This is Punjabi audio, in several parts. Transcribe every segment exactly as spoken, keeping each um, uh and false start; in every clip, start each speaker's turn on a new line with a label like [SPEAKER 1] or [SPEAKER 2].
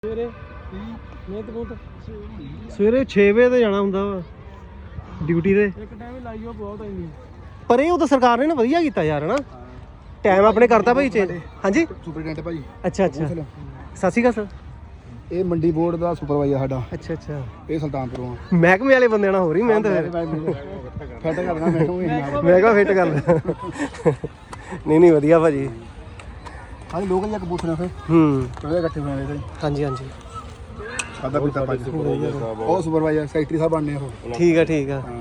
[SPEAKER 1] ਸਵੇਰੇ ਮਿਹਨਤ ਬਹੁਤ ਸਵੇਰੇ ਛੇ ਵਜੇ ਤੇ ਜਾਣਾ ਹੁੰਦਾ ਵਾ ਡਿਊਟੀ ਤੇ। ਇੱਕ ਟਾਈਮ ਹੀ ਲਾਈਓ ਬਹੁਤ ਆਈਂਦੀ ਪਰ ਇਹ ਉਹ ਤਾਂ ਸਰਕਾਰ ਨੇ ਨਾ ਵਧੀਆ ਕੀਤਾ ਯਾਰ ਹਨਾ ਟਾਈਮ ਆਪਣੇ ਕਰਤਾ ਭਾਈ ਚੇਂਜ। ਹਾਂਜੀ
[SPEAKER 2] ਸੁਪਰਡੈਂਟ ਭਾਜੀ।
[SPEAKER 1] ਅੱਛਾ ਅੱਛਾ ਸਤਿ ਸ਼੍ਰੀ ਅਕਾਲ ਸਰ।
[SPEAKER 2] ਇਹ ਮੰਡੀ ਬੋਰਡ ਦਾ ਸੁਪਰਵਾਈਜ਼ਰ ਸਾਡਾ।
[SPEAKER 1] ਅੱਛਾ ਅੱਛਾ
[SPEAKER 2] ਇਹ ਸੁਲਤਾਨਪੁਰੋਂ
[SPEAKER 1] ਮਹਿਕਮੇ ਵਾਲੇ ਬੰਦੇ ਨਾਲ ਹੋ ਰਹੀ ਮਿਹਨਤ
[SPEAKER 2] ਫਿੱਟ ਕਰਨਾ
[SPEAKER 1] ਮਹਿਕਮਾ ਫਿੱਟ ਕਰ ਨਹੀਂ ਨਹੀਂ ਵਧੀਆ ਭਾਜੀ।
[SPEAKER 2] ਹਾਂਜੀ ਲੋਕਲ ਜਿਹਾ ਕਬੂਤਰ ਫਿਰ
[SPEAKER 1] ਹੂੰ
[SPEAKER 2] ਉਹਦੇ ਇਕੱਠੇ ਹੋਏ ਨੇ
[SPEAKER 1] ਹਾਂਜੀ ਹਾਂਜੀ
[SPEAKER 2] ਸਾਦਾ ਪੀਤਾ ਭਾਜੀ। ਉਹ ਸੁਪਰਵਾਈਜ਼ਰ ਸੈਕਟਰੀ ਸਾਹਿਬ ਬਣਨੇ ਉਹ।
[SPEAKER 1] ਠੀਕ ਆ ਠੀਕ ਆ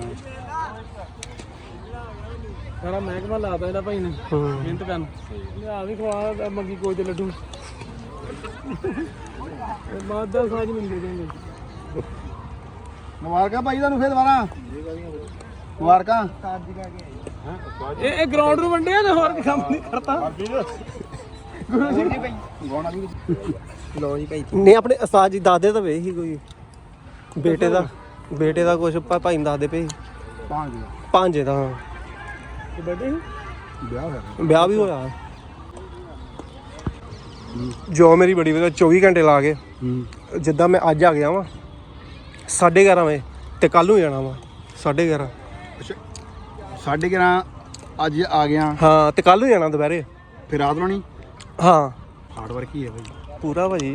[SPEAKER 3] ਸਾਰਾ ਮਹਿਕਮਾ ਲਾਤਾ ਇਹਦਾ ਭਾਈ ਨੇ ਮਿਹਨਤ ਕਰਨ ਲਿਆ ਵੀ ਖਵਾ ਮੰਗੀ ਕੋਈ ਤੇ ਲੱਡੂ ਮਾਦਾ ਸਾਜ ਮਿਲ ਦੇਣਗੇ।
[SPEAKER 2] ਮੁਬਾਰਕਾਂ ਭਾਈ ਤੁਹਾਨੂੰ ਫਿਰ ਦੁਬਾਰਾ ਮੁਬਾਰਕਾਂ।
[SPEAKER 3] ਇਹ ਇਹ ਗਰਾਊਂਡ ਨੂੰ ਵੰਡਿਆ ਤੇ ਹੋਰ ਕੰਮ ਨਹੀਂ ਕਰਤਾ।
[SPEAKER 2] ਲੋ ਜੀ ਭਾਈ
[SPEAKER 1] ਨਹੀਂ ਆਪਣੇ ਉਸਤਾਦ ਜੀ ਦਾਦੇ ਤਾਂ ਵੇ ਹੀ ਕੋਈ ਬੇਟੇ ਦਾ ਬੇਟੇ ਦਾ ਕੁਛ ਭਾਈ ਨੂੰ ਦੱਸਦੇ ਪਏ
[SPEAKER 2] ਪੰਜ
[SPEAKER 1] ਭਾਂਜੇ ਦਾ
[SPEAKER 3] ਬਰਥਡੇ
[SPEAKER 2] ਵਿਆਹ ਹੋਇਆ
[SPEAKER 1] ਵਿਆਹ ਵੀ ਹੋਇਆ ਜੋ ਮੇਰੀ ਬੜੀ ਵਧੀਆ ਚੌਵੀ ਘੰਟੇ ਲਾ ਕੇ ਜਿੱਦਾਂ ਮੈਂ ਅੱਜ ਆ ਗਿਆ ਵਾਂ ਸਾਢੇ ਗਿਆਰਾਂ ਵਜੇ ਤੇ ਕੱਲ ਨੂੰ ਜਾਣਾ ਵਾ ਸਾਢੇ ਗਿਆਰਾਂ
[SPEAKER 2] ਅੱਛਾ ਸਾਢੇ ਗਿਆਰਾਂ ਅੱਜ ਆ ਗਿਆ
[SPEAKER 1] ਹਾਂ ਤੇ ਕੱਲ ਨੂੰ ਜਾਣਾ ਦੁਪਹਿਰੇ
[SPEAKER 2] ਫਿਰ ਰਾਤ ਨੂੰ ਨਹੀਂ
[SPEAKER 1] ਹਾਂ
[SPEAKER 2] ਹਾਰਡ ਵਰਕ ਹੀ ਹੈ ਭਾਈ
[SPEAKER 1] ਪੂਰਾ ਭਾਜੀ।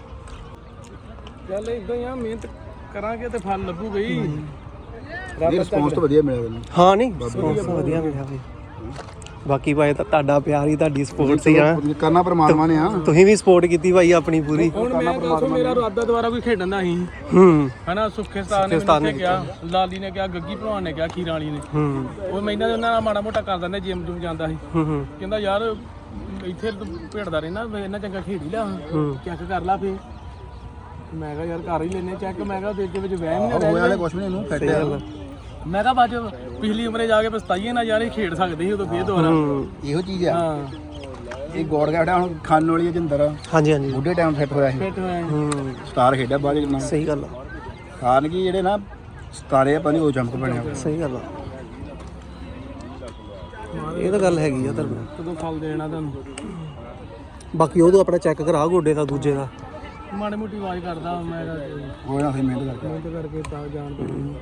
[SPEAKER 3] ਚੱਲ ਇਦਾਂ ਹੀ ਆ ਮਿਹਨਤ ਕਰਾਂਗੇ ਤੇ ਫਲ ਲੱਗੂ ਗਈ।
[SPEAKER 2] ਇਹ ਰਿਸਪੌਂਸ ਤਾਂ ਵਧੀਆ ਮਿਲਿਆ ਤੈਨੂੰ।
[SPEAKER 1] ਹਾਂ ਨਹੀਂ response ਵਧੀਆ ਮਿਲਿਆ ਭਾਈ। ਬਾਕੀ ਭਾਈ ਤਾਂ ਤੁਹਾਡਾ ਪਿਆਰ ਹੀ ਤੁਹਾਡੀ ਸਪੋਰਟ ਸੀ ਆ
[SPEAKER 2] ਕਰਨਾ ਪਰਮਾਤਮਾ ਨੇ ਆ।
[SPEAKER 1] ਤੁਸੀਂ ਵੀ ਸਪੋਰਟ ਕੀਤੀ ਭਾਈ ਆਪਣੀ ਪੂਰੀ।
[SPEAKER 3] ਹੁਣ ਮੈਂ ਦੱਸੋ ਮੇਰਾ ਇਰਾਦਾ ਦੁਬਾਰਾ ਕੋਈ ਖੇਡਣ ਦਾ ਸੀ
[SPEAKER 1] ਹੂੰ
[SPEAKER 3] ਹਨਾ ਸੁੱਖੇ ਸਤਾਨ ਨੇ ਮੈਨੂੰ ਕਿਹਾ ਲਾਲੀ ਨੇ ਕਿਹਾ ਗੱਗੀ ਭਲਵਾਨ ਨੇ ਕਿਹਾ ਖੀਰਾਂ ਵਾਲੀ ਨੇ
[SPEAKER 1] ਹੂੰ
[SPEAKER 3] ਉਹ ਮੈਂ ਇਹਨਾਂ ਦੇ ਉਹਨਾਂ ਨਾਲ ਮਾੜਾ ਮੋਟਾ ਕਰ ਦਿੰਦੇ ਜਿਮ ਜੁਮ ਜਾਂਦਾ ਸੀ
[SPEAKER 1] ਹੂੰ ਹੂੰ
[SPEAKER 3] ਕਹਿੰਦਾ ਯਾਰ ਇੱਥੇ ਤੂੰ ਭੇੜਦਾ ਰਹਿਣਾ ਇਹਨਾਂ ਚੰਗਾ ਖੇਡ ਹੀ ਲਾ ਚੈੱਕ ਕਰ ਲਾ ਫੇ ਮੈਂ ਕਿਹਾ ਯਾਰ ਕਰ ਹੀ ਲੈਨੇ ਚੈੱਕ ਮੈਂ ਕਿਹਾ ਦੇ ਵਿੱਚ ਵਹਿਮ ਨਹੀਂ
[SPEAKER 2] ਹੋਇਆ ਵਾਲੇ ਕੁਛ ਵੀ ਨਹੀਂ ਇਹਨੂੰ ਫਿੱਟ ਆ।
[SPEAKER 3] ਮੈਂ ਕਿਹਾ ਬਾਅਦ ਪਿਛਲੀ ਉਮਰੇ ਜਾ ਕੇ ਪਛਤਾਈਏ ਨਾ ਯਾਰ ਇਹ ਖੇਡ ਸਕਦੇ ਸੀ ਉਦੋਂ ਫੇਰ ਦੁਬਾਰਾ।
[SPEAKER 2] ਇਹੋ ਚੀਜ਼ ਆ
[SPEAKER 3] ਹਾਂ
[SPEAKER 2] ਇਹ ਗੋੜ ਗਿਆ ਹੁਣ ਖਾਨ ਵਾਲੀ ਜਿੰਦਰ
[SPEAKER 1] ਹਾਂਜੀ ਹਾਂਜੀ
[SPEAKER 2] ਬੁੱਢੇ ਟਾਈਮ ਫਿੱਟ ਹੋਇਆ ਸੀ
[SPEAKER 3] ਫਿੱਟ ਹੋਇਆ
[SPEAKER 1] ਹੂੰ
[SPEAKER 2] ਸਟਾਰ ਖੇਡਿਆ ਬਾਅਦ ਵਿੱਚ
[SPEAKER 1] ਸਹੀ ਗੱਲ ਆ
[SPEAKER 2] ਖਾਨ ਕੀ ਜਿਹੜੇ ਨਾ ਸਤਾਰੇ ਆ ਪਾਣੀ ਉਹ ਚਮਕ ਬਣਿਆ।
[SPEAKER 1] ਸਹੀ ਗੱਲ ਆ ਇਹ ਤਾਂ ਗੱਲ ਹੈਗੀ ਆ ਤੁਹਾਨੂੰ
[SPEAKER 3] ਕਦੋਂ ਫਲ ਦੇਣਾ ਤੁਹਾਨੂੰ
[SPEAKER 1] ਬਾਕੀ ਉਹ ਤੋਂ ਆਪਣਾ ਚੈੱਕ ਕਰਾ ਗੋਡੇ ਦਾ ਦੂਜੇ ਦਾ
[SPEAKER 3] ਮਾੜੀ ਮੋਟੀ ਆਵਾਜ਼ ਕਰਦਾ ਮੈਂ ਕਿਹਾ
[SPEAKER 2] ਉਹ ਨਾ ਫਿਰ ਮਿਹਨਤ ਕਰਕੇ
[SPEAKER 3] ਮਿਹਨਤ ਕਰਕੇ ਤਾਂ ਜਾਣ ਪਈ।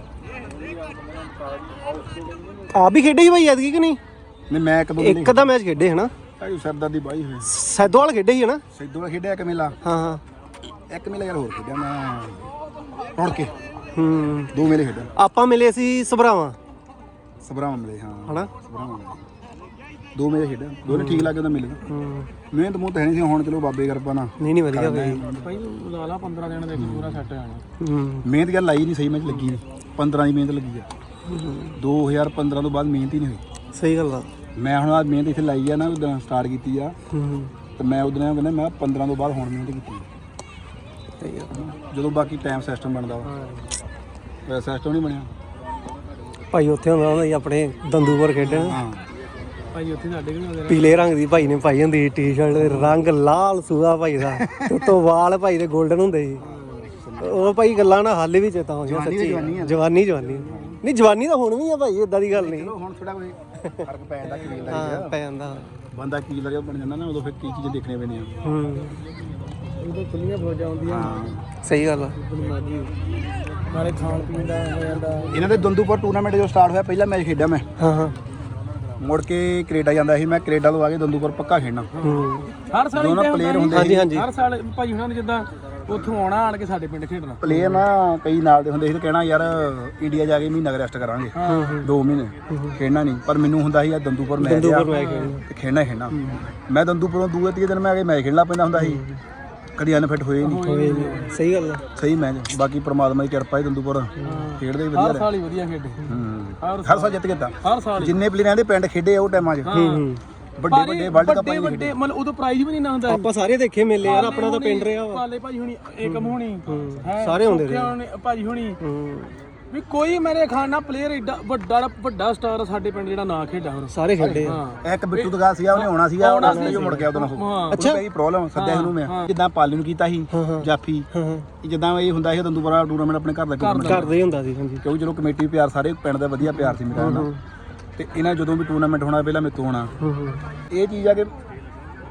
[SPEAKER 1] ਆਪ ਵੀ ਖੇਡੇ ਸੀ ਭਾਈ ਐਤਕੀ ਕਿ ਨਹੀਂ?
[SPEAKER 2] ਨਹੀਂ ਮੈਂ ਇੱਕ ਦੋ
[SPEAKER 1] ਇੱਕ ਦਾ ਮੈਚ ਖੇਡੇ ਹਨਾ
[SPEAKER 2] ਭਾਈ ਸਰਦਾਰ ਦੀ ਬਾਈ ਹੋਈ
[SPEAKER 1] ਸੈਦੋਵਾਲ ਖੇਡੇ ਸੀ ਹਨਾ?
[SPEAKER 2] ਸਿੱਧੂ ਨਾਲ ਖੇਡਿਆ ਇੱਕ ਮੇਲਾ
[SPEAKER 1] ਹਾਂ ਹਾਂ
[SPEAKER 2] ਇੱਕ ਮੇਲਾ ਯਾਰ ਹੋਰ ਖੇਡਿਆ ਮੈਂ ਰੁੜ ਕੇ
[SPEAKER 1] ਹੂੰ
[SPEAKER 2] ਦੋ ਮੇਲੇ ਖੇਡਿਆ
[SPEAKER 1] ਆਪਾਂ ਮਿਲੇ ਸੀ ਸਭਰਾਵਾਂ
[SPEAKER 2] ਸਭਰਾਵਾਂ ਮਿਲੇ ਹਾਂ
[SPEAKER 1] ਹਨਾ
[SPEAKER 2] ਸਭਰਾਵਾਂ ਮਿਲੇ ਦੋ ਮੇਲੇ ਖੇਡਿਆ ਦੋਨੇ ਠੀਕ ਲੱਗੇ ਤਾਂ ਮਿਲੇ
[SPEAKER 1] ਹੂੰ
[SPEAKER 2] ਮਿਹਨਤ ਮੂੰਹ ਤਾਂ ਹੈ ਨਹੀਂ ਸੀ ਹੁਣ ਚਲੋ ਬਾਬੇ ਕਿਰਪਾ ਨਾਲ
[SPEAKER 1] ਨਹੀਂ ਨਹੀਂ ਵਧੀਆ ਭਾਈ
[SPEAKER 3] ਭਾਈ ਲਾ ਲਾ ਪੰਦਰਾਂ ਦਿਨ ਦੇ ਵਿੱਚ ਪੂਰਾ ਸੈੱਟ ਹੋ ਜਾਣਾ।
[SPEAKER 1] ਹੂੰ
[SPEAKER 2] ਮਿਹਨਤ ਗੱਲ ਲਾਈ ਨਹੀਂ ਸਹੀ ਮੈਚ ਲੱਗੀ ਨਹੀਂ ਪੰਦਰਾਂ ਦੀ ਮਿਹਨਤ ਲੱਗੀ ਆ ਦੋ ਹਜ਼ਾਰ ਪੰਦਰਾਂ ਤੋਂ ਬਾਅਦ ਮਿਹਨਤ ਹੀ ਨਹੀਂ ਹੋਈ।
[SPEAKER 1] ਸਹੀ ਗੱਲ ਆ
[SPEAKER 2] ਮੈਂ ਹੁਣ ਆ ਮਿਹਨਤ ਇੱਥੇ ਲਾਈ ਆ ਨਾ ਉਦੋਂ ਸਟਾਰਟ ਕੀਤੀ ਆ
[SPEAKER 1] ਹੂੰ
[SPEAKER 2] ਤੇ ਮੈਂ ਉਦੋਂ ਕਹਿੰਦਾ ਮੈਂ ਪੰਦਰਾਂ ਤੋਂ ਬਾਅਦ ਹੁਣ ਮਿਹਨਤ ਕੀਤੀ
[SPEAKER 1] ਸਹੀ ਆ
[SPEAKER 2] ਜਦੋਂ ਬਾਕੀ ਟਾਈਮ ਸਿਸਟਮ ਬਣਦਾ ਵਾ ਸਿਸਟਮ ਨਹੀਂ ਬਣਿਆ
[SPEAKER 1] ਭਾਈ ਉੱਥੇ ਹੁੰਦਾ ਹੁੰਦਾ ਸੀ ਆਪਣੇ ਦੰਦੂਪੁਰ ਖੇਡਣ
[SPEAKER 2] ਹਾਂ
[SPEAKER 3] ਭਾਈ ਉੱਥੇ ਸਾਡੇ ਵੀ ਹੁੰਦੇ
[SPEAKER 1] ਪੀਲੇ ਰੰਗ ਦੀ ਭਾਈ ਨੇ ਪਾਈ ਹੁੰਦੀ ਟੀ-ਸ਼ਰਟ ਦੇ ਰੰਗ ਲਾਲ ਸੂਆ ਭਾਈ ਦਾ ਉੱਤੋਂ ਵਾਲ ਭਾਈ ਦੇ 골ਡਨ ਹੁੰਦੇ ਸੀ ਉਹ ਭਾਈ ਗੱਲਾਂ ਨਾ ਹਾਲੇ ਵੀ ਚੇਤਾ ਆਉਂਦੀਆਂ ਸੱਚੀ ਜਵਾਨੀ ਜਵਾਨੀ ਨਹੀਂ ਜਵਾਨੀ ਤਾਂ ਹੁਣ ਵੀ ਆ ਭਾਈ ਇਦਾਂ ਦੀ ਗੱਲ ਨਹੀਂ
[SPEAKER 2] ਹੁਣ ਥੋੜਾ ਕੋਈ ਫਰਕ ਪੈ ਜਾਂਦਾ ਕੀ ਲੱਗਦਾ
[SPEAKER 1] ਹਾਂ ਪੈ ਜਾਂਦਾ
[SPEAKER 2] ਬੰਦਾ ਕੀ ਲੱਗਿਆ ਬਣ ਜਾਂਦਾ ਨਾ ਉਦੋਂ ਫਿਰ ਕੀ ਚੀਜ਼ਾਂ ਦੇਖਣੀਆਂ ਪੈਂਦੀਆਂ
[SPEAKER 1] ਹੂੰ
[SPEAKER 3] ਉਦੋਂ ਖੁੱਲੀਆਂ ਫੌਜਾਂ ਆਉਂਦੀਆਂ
[SPEAKER 1] ਸਹੀ ਗੱਲ ਆ
[SPEAKER 3] ਬੁਨਿਆਦੀ ਨਾਲੇ ਖਾਣ ਪੀਣ ਦਾ ਹੋ ਜਾਂਦਾ।
[SPEAKER 2] ਇਹਨਾਂ ਦੇ ਦੰਦੂਪੁਰ ਟੂਰਨਾਮੈਂਟ ਜੋ ਸਟਾਰਟ ਹੋਇਆ ਪਹਿਲਾ ਮੈਚ ਖੇਡਿਆ ਮੈਂ
[SPEAKER 1] ਹਾਂ ਹਾਂ
[SPEAKER 2] ਮੁੜ ਕੇ ਕੈਨੇਡਾ ਜਾਂਦਾ ਸੀ ਮੈਂ ਕੈਨੇਡਾ ਤੋਂ ਆ ਕੇ ਦੰਦੂਪੁਰ ਪੱਕਾ ਖੇਡਣਾ
[SPEAKER 1] ਹੂੰ
[SPEAKER 3] ਹਰ ਸਾਲ
[SPEAKER 2] ਦੋਨੋਂ
[SPEAKER 3] ਇਦਾਂ
[SPEAKER 2] ਪਲੇਅਰ ਹੁੰਦੇ
[SPEAKER 1] ਹਾਂਜੀ ਹਾਂਜੀ
[SPEAKER 3] ਹਰ ਸਾਲ ਭਾਈ ਉਹਨਾਂ ਨੇ ਜਿੱਦਾਂ ਉੱਥੋਂ ਆਉਣਾ ਆਣ ਕੇ ਸਾਡੇ ਪਿੰਡ ਖੇਡਣਾ
[SPEAKER 2] ਪਲੇਅਰ ਨਾ ਕਈ ਨਾਲ ਦੇ ਹੁੰਦੇ ਸੀ ਤੇ ਕਹਿਣਾ ਯਾਰ ਇੰਡੀਆ ਜਾ ਕੇ ਮਹੀਨਾ ਰੈਸਟ ਕਰਾਂਗੇ ਦੋ ਮਹੀਨੇ ਖੇਡਣਾ ਨਹੀਂ ਪਰ ਮੈਨੂੰ ਹੁੰਦਾ ਸੀ ਆ ਦੰਦੂਪੁਰ ਮੈਚ ਆ ਤੇ ਖੇਡਣਾ ਹੀ ਖੇਡਣਾ ਮੈਂ ਦੰਦੂਪੁਰੋਂ ਦੂਏ ਤੀਏ ਦਿਨ ਮੈਂ ਆ ਕੇ ਮੈਚ ਖੇਡਣਾ ਪੈਂਦਾ ਹੁੰਦਾ ਸੀ ਕਦੀ ਅਨਫਿਟ ਹੋਏ ਨਹੀਂ।
[SPEAKER 1] ਸਹੀ ਗੱਲ ਆ
[SPEAKER 2] ਸਹੀ ਮੈਚ ਬਾਕੀ ਪ੍ਰਮਾਤਮਾ ਦੀ ਕਿਰਪਾ ਹੈ ਦੰਦੂਪੁਰ ਖੇਡਦੇ ਵੀ
[SPEAKER 3] ਹਰ
[SPEAKER 2] ਵਧੀਆ
[SPEAKER 3] ਸਾਲ ਹੀ ਵਧੀਆ ਖੇਡੇ
[SPEAKER 2] ਹੂੰ ਹਰ ਸਾਲ ਜਿੱਤ ਗਿਆ
[SPEAKER 3] ਹਰ ਸਾਲ
[SPEAKER 2] ਜਿੰਨੇ ਪਲੇਅਰਾਂ ਦੇ ਪਿੰਡ ਖੇਡੇ ਆ ਉਹ ਟਾਈਮਾਂ 'ਚ
[SPEAKER 1] ਹੂੰ
[SPEAKER 2] ਵੱਡੇ ਵੱਡੇ ਵਰਲਡ ਕੱਪ
[SPEAKER 3] ਵੱਡੇ ਵੱਡੇ ਮਤਲਬ ਉਦੋਂ ਪ੍ਰਾਈਜ਼ ਵੀ ਨਹੀਂ ਨਾ ਹੁੰਦਾ।
[SPEAKER 1] ਆਪਾਂ ਸਾਰੇ ਦੇਖੇ ਮੇਲੇ ਯਾਰ ਆਪਣਾ ਤਾਂ ਪਿੰਡ ਰਿਹਾ ਵਾ
[SPEAKER 3] ਪਾਲੇ ਭਾਜੀ ਹੁਣੀ ਏਕਮ ਹੁਣੀ
[SPEAKER 1] ਸਾਰੇ ਹੁੰਦੇ ਰਹੇ
[SPEAKER 3] ਭਾਜੀ ਹੁਣੀ
[SPEAKER 1] ਹੂੰ
[SPEAKER 3] ਵੀ ਕੋਈ ਮੇਰੇ ਖਾਨਾ ਪਲੇਅਰ ਏਡਾ ਵੱਡਾ ਵੱਡਾ ਸਟਾਰ ਸਾਡੇ ਪਿੰਡ ਜਿਹੜਾ ਨਾ ਖੇਡਾ ਹੁਣ
[SPEAKER 1] ਸਾਰੇ ਖੇਡੇ ਆ
[SPEAKER 3] ਹਾਂ
[SPEAKER 2] ਇੱਕ ਬਿੱਟੂ ਦਗਾ ਸੀਗਾ ਉਹਨੇ ਆਉਣਾ ਸੀਗਾ ਉਹਨੇ ਜੋ ਮੁੜ ਗਿਆ ਉਹਦੋਂ ਉਹ ਅੱਛਾ ਕਈ ਪ੍ਰੋਬਲਮ ਸੱਦਿਆ ਉਹਨੂੰ ਮੈਂ ਜਿੱਦਾਂ ਪਾਲੀ ਨੂੰ ਕੀਤਾ ਸੀ ਜਾਫੀ ਜਿੱਦਾਂ ਇਹ ਹੁੰਦਾ ਸੀ ਦੰਦੂਪੁਰਾ ਟੂਰਨਾਮੈਂਟ ਆਪਣੇ ਘਰ ਦਾ ਟੂਰਨਾਮੈਂਟ
[SPEAKER 1] ਕਰਦੇ ਹੀ ਹੁੰਦਾ ਸੀ ਹਾਂਜੀ
[SPEAKER 2] ਕਿਉਂਕਿ ਜਦੋਂ ਕਮੇਟੀ ਪਿਆਰ ਸਾਰੇ ਪਿੰਡ ਦਾ ਵਧੀਆ ਪਿਆਰ ਸੀ ਮੇਰਾ ਨਾਲ ਤੇ ਇਹਨਾਂ ਜਦੋਂ ਵੀ ਟੂਰਨਾਮੈਂਟ ਹੋਣਾ ਪਹਿਲਾਂ ਮੇਰੇ ਤੋਂ ਹੋਣਾ ਇਹ ਚੀਜ਼ ਆ ਕਿ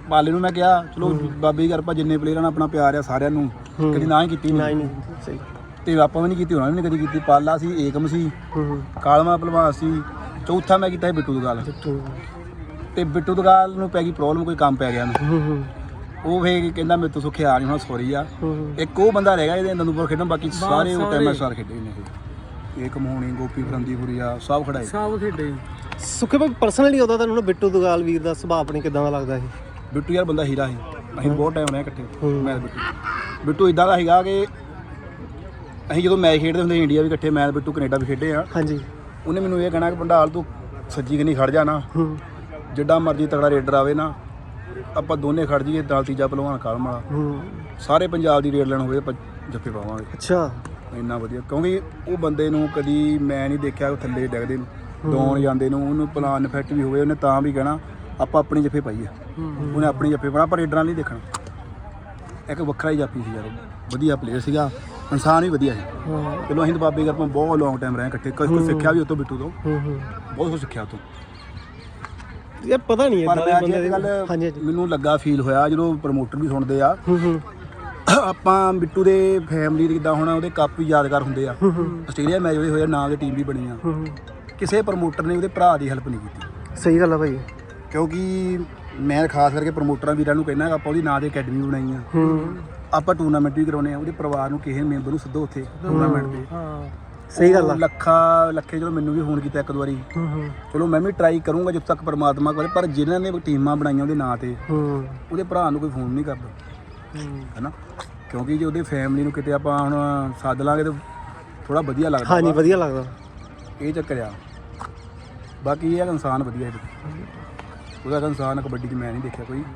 [SPEAKER 2] ਪਾਲੇ ਨੂੰ ਮੈਂ ਕਿਹਾ ਚਲੋ ਬਾਬੇ ਦੀ ਕਿਰਪਾ ਜਿੰਨੇ ਪਲੇਅਰਾਂ ਨਾਲ ਆਪਣਾ ਪਿਆਰ ਆ ਸਾਰਿਆਂ ਨੂੰ ਕਦੀ ਨਾ ਹੀ ਕੀਤੀ
[SPEAKER 1] ਨਾ
[SPEAKER 2] ਨਹੀਂ
[SPEAKER 1] ਹੀ ਨਹੀਂ ਸਹੀ
[SPEAKER 2] ਤੇ ਆਪਾਂ ਵੀ ਨਹੀਂ ਕੀਤੀ, ਉਹਨਾਂ ਨੇ ਵੀ ਨਹੀਂ ਕਦੀ ਕੀਤੀ। ਪਾਲਾ ਸੀ, ਏਕਮ ਸੀ,
[SPEAKER 1] ਹੂੰ
[SPEAKER 2] ਕਾਲਮਾ ਭਲਵਾਨ ਸੀ, ਚੌਥਾ ਮੈਂ ਕੀਤਾ ਸੀ ਬਿੱਟੂ ਦਗਾਲ। ਤੇ ਬਿੱਟੂ ਦਗਾਲ ਨੂੰ ਪੈ ਗਈ ਪ੍ਰੋਬਲਮ, ਕੋਈ ਕੰਮ ਪੈ ਗਿਆ
[SPEAKER 1] ਹੂੰ ਹੂੰ
[SPEAKER 2] ਉਹ ਫੇਰ ਕਹਿੰਦਾ ਮੇਰੇ ਤੋਂ ਸੁੱਖੇ ਆ ਨਹੀਂ ਹੁਣ ਸੌਰੀ ਆ। ਇੱਕ ਉਹ ਬੰਦਾ ਰਹਿ ਗਿਆ ਇਹਦੇ ਦੰਦੂਪੁਰ ਖੇਡਣ, ਬਾਕੀ ਸਾਰੇ ਉਹ ਟਾਈਮ ਸਟਾਰ ਖੇਡੇ ਨੇ। ਏਕਮ ਹੋਣੀ, ਗੋਪੀ ਫਰੰਦੀਪੁਰੀਆ ਸਭ ਖੜਾਏ,
[SPEAKER 3] ਸਭ ਖੇਡੇ।
[SPEAKER 1] ਸੁੱਖੇ ਭਾਈ ਪਰਸਨਲੀ ਉਹਦਾ ਤੁਹਾਨੂੰ ਬਿੱਟੂ ਦਗਾਲ ਵੀਰ ਦਾ ਸੁਭਾਅ ਆਪਣੇ ਕਿਦਾਂ ਦਾ ਲੱਗਦਾ ਸੀ?
[SPEAKER 2] ਬਿੱਟੂ ਯਾਰ ਬੰਦਾ ਹੀਰਾ ਸੀ, ਅਸੀਂ ਬਹੁਤ ਟਾਈਮ ਰਹੇ ਇਕੱਠੇ ਮੈਂ ਬਿੱਟੂ। ਬਿੱਟੂ ਇਦਾਂ ਦਾ ਸੀਗਾ ਕਿ ਅਸੀਂ ਜਦੋਂ ਮੈਚ ਖੇਡਦੇ ਹੁੰਦੇ ਇੰਡੀਆ ਵੀ ਇਕੱਠੇ, ਮੈਂ ਬਿੱਟੂ ਕੈਨੇਡਾ ਵੀ ਖੇਡੇ ਆ।
[SPEAKER 1] ਹਾਂਜੀ
[SPEAKER 2] ਉਹਨੇ ਮੈਨੂੰ ਇਹ ਕਹਿਣਾ ਕਿ ਭੰਡਾਲ ਤੂੰ ਸੱਜੀ ਕਿੰਨੀ ਖੜ ਜਾ ਨਾ, ਜਿੱਡਾ ਮਰਜ਼ੀ ਤਗੜਾ ਰੇਡਰ ਆਵੇ ਨਾ, ਆਪਾਂ ਦੋਨੇ ਖੜ ਜਾਈਏ ਨਾਲ ਤੀਜਾ ਭਲਵਾਨ ਕਾਲਮ ਵਾਲਾ, ਸਾਰੇ ਪੰਜਾਬ ਦੀ ਰੇਡ ਲੈਣ ਹੋਵੇ ਆਪਾਂ ਜੱਫੇ ਪਾਵਾਂਗੇ।
[SPEAKER 1] ਅੱਛਾ
[SPEAKER 2] ਇੰਨਾ ਵਧੀਆ, ਕਿਉਂਕਿ ਉਹ ਬੰਦੇ ਨੂੰ ਕਦੀ ਮੈਂ ਨਹੀਂ ਦੇਖਿਆ ਉਹ ਥੱਲੇ ਡਿੱਗਦੇ ਨੂੰ, ਦੌਣ ਜਾਂਦੇ ਨੂੰ, ਉਹਨੂੰ ਪਲਾਨ ਇਫੈਕਟ ਵੀ ਹੋਵੇ ਉਹਨੇ ਤਾਂ ਵੀ ਕਹਿਣਾ ਆਪਾਂ ਆਪਣੀ ਜੱਫੇ ਪਾਈਏ। ਉਹਨੇ ਆਪਣੀ ਜੱਫੇ ਪਾਉਣਾ, ਪਰ ਰੇਡਰਾਂ ਨਹੀਂ ਦੇਖਣਾ। ਇੱਕ ਵੱਖਰਾ ਹੀ ਜਾਪੀ ਸੀ ਯਾਰ, ਵਧੀਆ ਪਲੇਅਰ ਸੀਗਾ, ਇਨਸਾਨ ਵੀ ਵਧੀਆ ਸੀ। ਚਲੋ ਅਸੀਂ ਤਾਂ ਬਾਬੇ ਕਿਰਪਾ ਬਹੁਤ ਲੌਂਗ ਟਾਈਮ ਰਹੇ ਇਕੱਠੇ, ਕੁਝ ਕੁਝ ਸਿੱਖਿਆ ਵੀ ਉਹ ਤੋਂ ਬਿੱਟੂ ਤੋਂ, ਬਹੁਤ ਕੁਝ ਸਿੱਖਿਆ ਉਹ ਤੋਂ।
[SPEAKER 1] ਇਹ ਪਤਾ ਨਹੀਂ
[SPEAKER 2] ਪਰ
[SPEAKER 1] ਇਦਾਂ
[SPEAKER 2] ਮੈਂ
[SPEAKER 1] ਦੇ
[SPEAKER 2] ਅੱਜ
[SPEAKER 1] ਬੰਦੇ
[SPEAKER 2] ਕੱਲ
[SPEAKER 1] ਹਾਂਜੀ
[SPEAKER 2] ਮੈਨੂੰ ਲੱਗਾ ਫੀਲ ਹੋਇਆ ਜਦੋਂ ਪ੍ਰਮੋਟਰ ਵੀ ਸੁਣਦੇ ਆ,
[SPEAKER 1] ਹੂੰ ਹੂੰ
[SPEAKER 2] ਆਪਾਂ ਬਿੱਟੂ ਦੇ ਫੈਮਿਲੀ ਦੇ ਜਿੱਦਾਂ ਹੁਣ ਉਹਦੇ ਕੱਪ ਵੀ ਯਾਦਗਾਰ ਹੁੰਦੇ ਆ, ਆਸਟ੍ਰੇਲੀਆ ਮੈਚ ਉਹਦੇ ਹੋਇਆ, ਨਾਂ ਦੀ ਟੀਮ ਵੀ ਬਣੀ ਆ, ਕਿਸੇ ਪ੍ਰਮੋਟਰ ਨੇ ਉਹਦੇ ਭਰਾ ਦੀ ਹੈਲਪ ਨਹੀਂ ਕੀਤੀ।
[SPEAKER 1] ਸਹੀ ਗੱਲ ਆ ਭਾਈ,
[SPEAKER 2] ਕਿਉਂਕਿ ਮੈਂ ਖਾਸ ਕਰਕੇ ਪ੍ਰਮੋਟਰਾਂ ਵੀਰਾਂ ਨੂੰ ਕਹਿੰਦਾ ਆਪਾਂ ਉਹਦੀ ਨਾਂ ਦੀ ਅਕੈਡਮੀ ਬਣਾਈ ਆ, ਆਪਾਂ ਟੂਰਨਾਮੈਂਟ ਵੀ ਕਰਾਉਂਦੇ ਆ, ਉਹਦੇ ਪਰਿਵਾਰ ਨੂੰ ਕਿਸੇ ਮੈਂਬਰ ਨੂੰ ਸੱਦੋ ਉੱਥੇ ਟੂਰਨਾਮੈਂਟ ਤੇ।
[SPEAKER 1] ਸਹੀ ਗੱਲ ਆ।
[SPEAKER 2] ਲੱਖਾ ਲੱਖੇ ਜਦੋਂ ਮੈਨੂੰ ਵੀ ਫੋਨ ਕੀਤਾ ਇੱਕ ਦੋ ਵਾਰੀ, ਚਲੋ ਮੈਂ ਵੀ ਟਰਾਈ ਕਰੂੰਗਾ ਜਦੋਂ ਤੱਕ ਪਰਮਾਤਮਾ ਕਰੇ, ਪਰ ਜਿਨ੍ਹਾਂ ਨੇ ਟੀਮਾਂ ਬਣਾਈਆਂ ਉਹਦੇ ਨਾਂ ਤੇ ਉਹਦੇ ਭਰਾ ਨੂੰ ਕੋਈ ਫੋਨ ਨਹੀਂ ਕਰਦਾ ਹੈਨਾ, ਕਿਉਂਕਿ ਜੇ ਉਹਦੇ ਫੈਮਿਲੀ ਨੂੰ ਕਿਤੇ ਆਪਾਂ ਹੁਣ ਸੱਦ ਲਾਂਗੇ ਤਾਂ ਥੋੜਾ ਵਧੀਆ ਲੱਗਦਾ।
[SPEAKER 1] ਹਾਂਜੀ ਵਧੀਆ ਲੱਗਦਾ,
[SPEAKER 2] ਇਹ ਚੱਕਰ ਆ। ਬਾਕੀ ਇਹ ਇਨਸਾਨ ਵਧੀਆ ਹੈ, ਉਹਦਾ ਇਨਸਾਨ ਕਬੱਡੀ 'ਚ ਮੈਂ ਨਹੀਂ ਦੇਖਿਆ ਕੋਈ।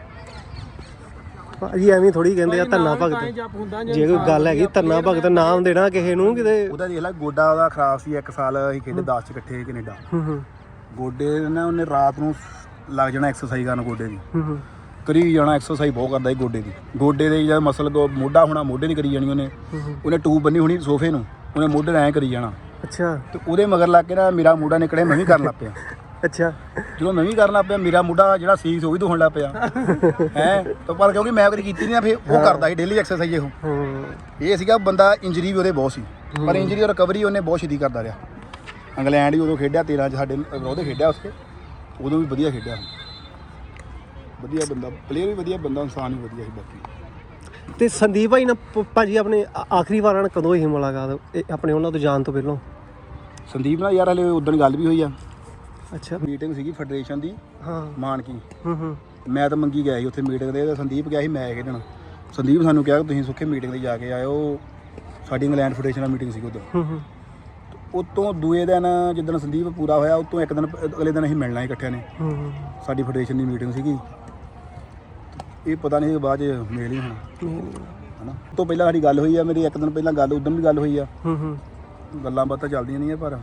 [SPEAKER 1] ਭਾਜੀ ਐਵੇਂ ਥੋੜੀ ਕਹਿੰਦੇ ਆ ਧੰਨਾ ਭਗਤ, ਜੇ ਕੋਈ ਗੱਲ ਹੈਗੀ ਧੰਨਾ ਭਗਤ ਨਾਮ ਦੇਣਾ ਕਿਸੇ ਨੂੰ ਕਿਤੇ।
[SPEAKER 2] ਉਹਦਾ ਦੇਖ ਲੈ ਗੋਡਾ ਉਹਦਾ ਖਰਾਬ ਸੀ, ਇੱਕ ਸਾਲ ਅਸੀਂ ਖੇਡੇ ਦਸ 'ਚ ਇਕੱਠੇ ਕੈਨੇਡਾ। ਗੋਡੇ ਨਾ ਉਹਨੇ ਰਾਤ ਨੂੰ ਲੱਗ ਜਾਣਾ ਐਕਸਰਸਾਈਜ਼ ਕਰਨ ਗੋਡੇ ਦੀ, ਕਰੀ ਜਾਣਾ ਐਕਸਰਸਾਈਜ਼ ਬਹੁਤ ਕਰਦਾ ਸੀ ਗੋਡੇ ਦੀ। ਗੋਡੇ ਦੇ ਜਦ ਮਸਲ ਮੋਢਾ ਹੋਣਾ, ਮੋਢੇ ਨਹੀਂ ਕਰੀ ਜਾਣੀ ਉਹਨੇ, ਉਹਨੇ ਟੂਬ ਬੰਨੀ ਹੋਣੀ ਸੋਫੇ ਨੂੰ, ਉਹਨੇ ਮੋਢੇ ਐਂ ਕਰੀ ਜਾਣਾ।
[SPEAKER 1] ਅੱਛਾ।
[SPEAKER 2] ਤੇ ਉਹਦੇ ਮਗਰ ਲੱਗ ਕੇ ਨਾ ਮੇਰਾ ਮੋਢਾ ਨਿਕਲਿਆ, ਮੈਂ ਵੀ ਕਰਨ ਲੱਗ ਪਿਆ।
[SPEAKER 1] ਅੱਛਾ। ਜਦੋਂ
[SPEAKER 2] ਮੈਂ ਵੀ ਕਰਨ ਲੱਗ ਪਿਆ, ਮੇਰਾ ਮੋਢਾ ਜਿਹੜਾ ਸੀਸ ਉਹ ਵੀ ਦੁਖਣ ਲੱਗ ਪਿਆ ਹੈ। ਤਾਂ ਪਰ ਕਿਉਂਕਿ ਮੈਂ ਕਦੀ ਕੀਤੀ ਨਹੀਂ, ਫਿਰ ਉਹ ਕਰਦਾ ਸੀ ਡੇਲੀ ਐਕਸਰਸਾਈਜ਼। ਉਹ ਇਹ ਸੀਗਾ ਬੰਦਾ, ਇੰਜਰੀ ਵੀ ਉਹਦੇ ਬਹੁਤ ਸੀ, ਪਰ ਇੰਜਰੀ ਰਿਕਵਰੀ ਉਹਨੇ ਬਹੁਤ ਛੇਤੀ ਕਰਦਾ ਰਿਹਾ। ਇੰਗਲੈਂਡ ਵੀ ਉਦੋਂ ਖੇਡਿਆ ਤੇਰਾਂ 'ਚ ਸਾਡੇ ਉਹਦੇ ਖੇਡਿਆ, ਉਸਕੇ ਉਦੋਂ ਵੀ ਵਧੀਆ ਖੇਡਿਆ। ਵਧੀਆ ਬੰਦਾ, ਪਲੇਅਰ ਵੀ ਵਧੀਆ ਬੰਦਾ, ਇਨਸਾਨ ਵੀ ਵਧੀਆ ਸੀ। ਬਾਕੀ
[SPEAKER 1] ਤੇ ਸੰਦੀਪ ਭਾਈ ਨਾਲ ਭਾਜੀ ਆਪਣੇ ਆਖਰੀ ਵਾਰ ਨਾਲ ਕਦੋਂ ਹੀ ਮੁਲਾਕਾਤ ਆਪਣੇ ਉਹਨਾਂ ਤੋਂ ਜਾਣ ਤੋਂ ਪਹਿਲਾਂ?
[SPEAKER 2] ਸੰਦੀਪ ਨਾਲ ਯਾਰ ਹਲੇ ਉਦੋਂ ਗੱਲ ਵੀ ਹੋਈ ਆ।
[SPEAKER 1] ਅੱਛਾ।
[SPEAKER 2] ਮੀਟਿੰਗ ਸੀਗੀ ਫੈਡਰੇਸ਼ਨ ਦੀ,
[SPEAKER 1] ਹਾਂ
[SPEAKER 2] ਮਾਨਕੀ।
[SPEAKER 1] ਹੂੰ ਹੂੰ
[SPEAKER 2] ਮੈਂ ਤਾਂ ਮੰਗੀ ਗਿਆ ਸੀ ਉੱਥੇ ਮੀਟਿੰਗ ਦੇ, ਤੇ ਸੰਦੀਪ ਗਿਆ ਸੀ ਮੈਚ ਖੇਡਣ। ਸੰਦੀਪ ਸਾਨੂੰ ਕਿਹਾ ਕਿ ਤੁਸੀਂ ਸੁੱਖੇ ਮੀਟਿੰਗ 'ਤੇ ਜਾ ਕੇ ਆਇਓ, ਸਾਡੀ ਇੰਗਲੈਂਡ ਫੈਡਰੇਸ਼ਨ ਨਾਲ ਮੀਟਿੰਗ ਸੀਗੀ ਉਦੋਂ।
[SPEAKER 1] ਹੂੰ ਹੂੰ
[SPEAKER 2] ਉਤੋਂ ਦੂਏ ਦਿਨ ਜਿੱਦਣ ਸੰਦੀਪ ਪੂਰਾ ਹੋਇਆ, ਉਤੋਂ ਇੱਕ ਦਿਨ ਅਗਲੇ ਦਿਨ ਅਸੀਂ ਮਿਲਣਾ ਸੀ ਇਕੱਠਿਆਂ ਨੇ।
[SPEAKER 1] ਹੂੰ
[SPEAKER 2] ਸਾਡੀ ਫੈਡਰੇਸ਼ਨ ਦੀ ਮੀਟਿੰਗ ਸੀਗੀ, ਇਹ ਪਤਾ ਨਹੀਂ ਬਾਅਦ 'ਚ ਮੇਲ ਹੀ ਹੋਣਾ ਹੈ ਨਾ। ਉਸ ਤੋਂ ਪਹਿਲਾਂ ਸਾਡੀ ਗੱਲ ਹੋਈ ਆ, ਮੇਰੀ ਇੱਕ ਦਿਨ ਪਹਿਲਾਂ ਗੱਲ, ਉਦੋਂ ਵੀ ਗੱਲ ਹੋਈ ਆ।
[SPEAKER 1] ਹੂੰ ਹੂੰ
[SPEAKER 2] ਗੱਲਾਂ ਬਾਤਾਂ ਚੱਲਦੀਆਂ ਨਹੀਂ ਆ, ਪਰ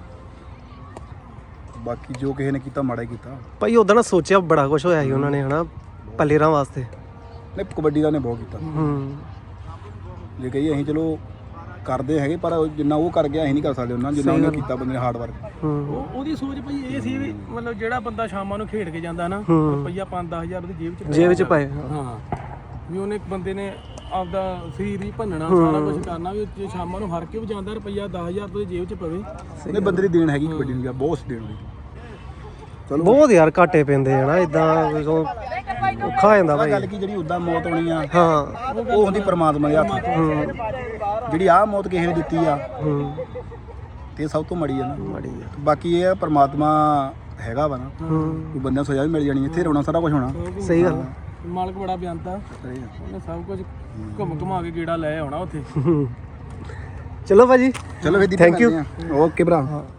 [SPEAKER 2] ਬਾਕੀ ਜੋ ਕਿਸੇ ਨੇ ਕੀਤਾ ਮਾੜਾ ਹੀ ਕੀਤਾ
[SPEAKER 1] ਭਾਈ। ਉਦੋਂ ਨਾ ਸੋਚਿਆ ਬੜਾ ਕੁਝ ਹੋਇਆ ਸੀ ਉਹਨਾਂ ਨੇ ਹਨਾ ਪਲੇਅਰਾਂ ਵਾਸਤੇ।
[SPEAKER 2] ਨਹੀਂ ਕਬੱਡੀ ਦਾ ਉਹਨੇ ਬਹੁਤ ਕੀਤਾ।
[SPEAKER 1] ਹੂੰ
[SPEAKER 2] ਜੇ ਕਹੀਏ ਅਸੀਂ ਚਲੋ ਕਰਦੇ ਹੈਗੇ, ਪਰ ਜਿੰਨਾ ਉਹ ਕਰ ਗਿਆ ਅਸੀਂ ਨਹੀਂ ਕਰ ਸਕਦੇ ਉਹਨਾਂ ਜਿੰਨਾ ਉਹਨੇ ਕੀਤਾ ਬੰਦੇ ਨੇ ਹਾਰਡ ਵਰਕ।
[SPEAKER 3] ਉਹਦੀ ਸੋਚ ਭਾਈ ਇਹ ਸੀ ਵੀ ਮਤਲਬ ਜਿਹੜਾ ਬੰਦਾ ਸ਼ਾਮਾਂ ਨੂੰ ਖੇਡ ਕੇ ਜਾਂਦਾ ਨਾ, ਰੁਪਈਆ ਪੰਜ ਦਸ ਹਜ਼ਾਰ ਉਹਦੀ ਜੇਬ 'ਚ
[SPEAKER 1] ਜੇਬ 'ਚ ਪਾਏ।
[SPEAKER 3] ਹਾਂ ਵੀ ਉਹਨੇ ਇੱਕ ਬੰਦੇ ਨੇ ਆਪਦਾ ਸਰੀਰ ਹੀ ਭੰਨਣਾ, ਸਾਰਾ ਕੁਝ ਕਰਨਾ, ਵੀ ਜੇ ਸ਼ਾਮਾਂ ਨੂੰ ਹਰ ਕੇ ਵੀ ਜਾਂਦਾ ਰੁਪਈਆ ਦਸ ਹਜ਼ਾਰ ਉਹਦੀ ਜੇਬ 'ਚ ਪਵੇ।
[SPEAKER 2] ਉਹਨੇ ਬੰਦੇ ਦੀ ਦੇਣ ਹੈਗੀ ਕਬੱਡੀ ਨੂੰ, ਬਹੁਤ ਦੇਣ ਹੋਈ।
[SPEAKER 1] ਚਲੋ ਬਹੁਤ ਯਾਰ ਘਾਟੇ ਪੈਂਦੇ ਹਨਾ ਇਦਾਂ, ਔਖਾ ਹੋ ਜਾਂਦਾ ਭਾਈ।
[SPEAKER 2] ਗੱਲ ਕੀ ਜਿਹੜੀ ਉਦਾਂ ਮੌਤ ਹੋਣੀ ਆ,
[SPEAKER 1] ਹਾਂ
[SPEAKER 2] ਉਹ ਹੁੰਦੀ ਪਰਮਾਤਮਾ ਦੇ ਹੱਥ। ਜਿਹੜੀ ਆਹ ਮੌਤ ਕਿਸੇ ਨੇ ਦਿੱਤੀ ਆ, ਤੇ ਸਭ ਤੋਂ ਮਾੜੀ ਆ ਨਾ।
[SPEAKER 1] ਮਾੜੀ ਆ।
[SPEAKER 2] ਬਾਕੀ ਇਹ ਪਰਮਾਤਮਾ ਹੈਗਾ ਵਾ ਨਾ, ਕੋਈ ਬੰਦਿਆਂ ਸਜ਼ਾ ਵੀ ਮਿਲ ਜਾਣੀ, ਇੱਥੇ ਰੋਣਾ ਸਾਰਾ ਕੁਝ ਹੋਣਾ।
[SPEAKER 1] ਸਹੀ ਗੱਲ।
[SPEAKER 3] ਮਾਲਕ ਬੜਾ ਬਿਆਨਤਾ, ਉਹਨੇ ਸਭ ਕੁਝ ਘੁੰਮ ਘੁਮਾ ਕੇ ਗੇੜਾ ਲੈ ਆਉਣਾ ਉੱਥੇ।
[SPEAKER 1] ਚਲੋ ਭਾਜੀ,
[SPEAKER 2] ਚਲੋ ਫਿਰ
[SPEAKER 1] ਥੈਂਕ ਯੂ।
[SPEAKER 2] ਓਕੇ ਭਰਾ।